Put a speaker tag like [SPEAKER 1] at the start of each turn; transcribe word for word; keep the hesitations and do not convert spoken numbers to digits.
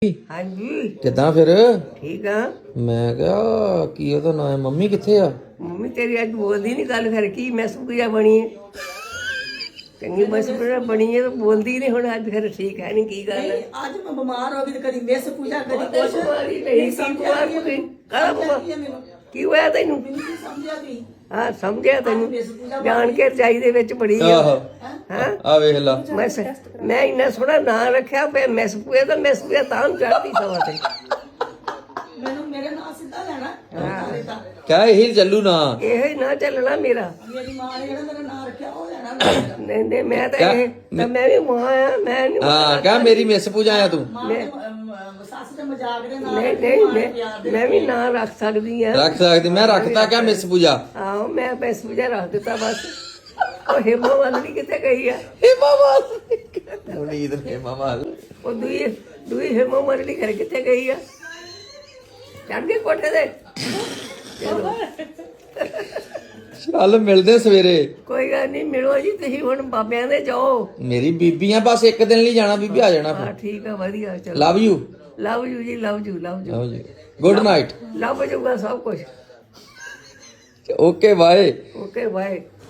[SPEAKER 1] ਹਾਂਜੀ
[SPEAKER 2] ਕਿੱਦਾਂ ਫਿਰ?
[SPEAKER 1] ਠੀਕ ਆ।
[SPEAKER 2] ਮੈਂ ਕਿਹਾ ਕੀ ਉਹਦਾ ਨਾਂ ਹੈ? ਮੰਮੀ ਕਿੱਥੇ ਆ?
[SPEAKER 1] ਮੰਮੀ ਤੇਰੀ ਅੱਜ ਬੋਲਦੀ ਨਹੀਂ ਗੱਲ, ਫਿਰ ਕੀ ਮੈਂ ਸੁਪਰੀਆ ਬਣੀ ਹੈ, ਚੰਗੀ ਮੈਂ ਸੁਪਰੀਆ ਬਣੀ ਹੈ ਤਾਂ ਬੋਲਦੀ ਨਹੀਂ ਹੁਣ। ਅੱਜ ਫਿਰ ਠੀਕ ਹੈ ਨਹੀਂ, ਕੀ ਗੱਲ ਹੈ?
[SPEAKER 3] ਅੱਜ ਮੈਂ ਬਿਮਾਰ ਹੋ ਗਈ ਤੇ ਕਦੀ ਮਿਸ ਪੂਜਾ ਕਦੀ ਕੁਛ
[SPEAKER 1] ਬਿਮਾਰੀ ਨਹੀਂ ਸੀ, ਬਿਮਾਰ ਹੋ ਗਈ। ਕਾਹਦਾ ਬਿਮਾਰ? ਕੀ ਹੋਇਆ ਤੈਨੂੰ?
[SPEAKER 3] ਨਹੀਂ ਸਮਝਿਆ ਵੀ
[SPEAKER 1] ਹਾਂ ਸਮਝਿਆ ਤੈਨੂੰ, ਜਾਣ ਕੇ ਚਾਈ ਦੇ ਵਿੱਚ ਬੜੀ ਆ।
[SPEAKER 2] ਆਹੋ
[SPEAKER 1] ਹਾਂ
[SPEAKER 2] ਆ ਵੇਖ ਲਾ।
[SPEAKER 1] ਮੈਂ ਸ- ਮੈਂ ਇੰਨਾ ਸੋਹਣਾ ਨਾਂ ਰੱਖਿਆ ਪਿਆ ਮਿਸ ਪੂਏ ਤਾਂ ਮਿਸ ਪੂਏ ਤਾਂ ਚੜ੍ਹਦੀ ਸਵਾ ਤੇ।
[SPEAKER 3] ਮੈਨੂੰ ਮੇਰੇ ਨਾਲ ਸਿੱਧਾ ਲੈਣਾ ਸਾਰੇ ਤਾਂ
[SPEAKER 2] ਕਿਆ ਇਹੀ ਚੱਲੂ ਨਾ?
[SPEAKER 1] ਇਹੋ ਹੀ ਨਾ ਚੱਲਣਾ ਮੇਰਾ।
[SPEAKER 3] ਮੇਰੀ ਮਾਂ ਨੇ ਜਿਹੜਾ ਮੇਰਾ ਨਾਂ ਰੱਖਿਆ ਉਹ ਲੈਣਾ ਮੇਰਾ।
[SPEAKER 1] ਨਹੀਂ ਨਹੀਂ ਮੈਂ ਤਾਂ ਇਹ ਤਾਂ ਮੈਂ ਵੀ ਮਾਂ ਆ, ਮੈਂ ਨਹੀਂ
[SPEAKER 2] ਹਾਂ ਕਿਆ ਮੇਰੀ ਮਿਸ ਪੂਜਾ ਆ ਤੂੰ?
[SPEAKER 3] ਮਾਂ ਦੇ ਅਮ, ਸੱਸ ਦੇ ਮਜ਼ਾਕ ਦੇ ਨਾਲ
[SPEAKER 1] ਨਹੀਂ ਨਹੀਂ ਮੈਂ ਮੈਂ ਵੀ ਨਾਂ ਰੱਖ ਸਕਦੀ ਆ।
[SPEAKER 2] ਰੱਖ ਸਕਦੀ। ਮੈਂ ਰੱਖਤਾ ਕਿਆ ਮਿਸ ਪੂਜਾ?
[SPEAKER 1] ਆਹੋ ਮੈਂ ਪੈਸ ਵਜਾ ਰੱਖ ਦਿੱਤਾ ਬਸ। ਉਹ ਹਿਮਾ ਵਾਲੀ ਕਿੱਥੇ ਗਈ ਆ?
[SPEAKER 2] ਹੇਮਾ ਮਾਲ ਨਵਨੀਤ ਨੇ ਹੇਮਾ ਮਾਲ।
[SPEAKER 1] ਉਹ ਦੂਈ ਦੂਈ ਹਿਮਾ ਵਾਲੀ ਘਰ ਕਿੱਥੇ ਗਈ ਆ? ਚੜ ਗਏ ਕੋਠੇ ਤੇ। ਚਲੋ
[SPEAKER 2] ਚੱਲ ਮਿਲਦੇ ਸਵੇਰੇ।
[SPEAKER 1] ਕੋਈ ਗੱਲ ਨਹੀਂ, ਮਿਲੋ ਜੀ ਤੁਸੀਂ ਹੁਣ ਬਾਬਿਆਂ ਦੇ ਜਾਓ।
[SPEAKER 2] ਮੇਰੀ ਬੀਬੀ ਆ, ਬਸ ਇੱਕ ਦਿਨ ਲਈ ਜਾਣਾ, ਬੀਬੀ ਆ ਜਾਣਾ
[SPEAKER 1] ਹਾਂ
[SPEAKER 2] ਫਿਰ।
[SPEAKER 1] ਠੀਕ ਆ, ਵਧੀਆ। ਚਲੋ
[SPEAKER 2] ਲਵ ਯੂ।
[SPEAKER 1] ਲਵ ਯੂ ਜੀ, love you, love you.
[SPEAKER 2] Love you. Good night.
[SPEAKER 1] Love ਜੂਗਾ ਸਭ ਕੁਝ।
[SPEAKER 2] Okay bye.
[SPEAKER 1] Okay bye.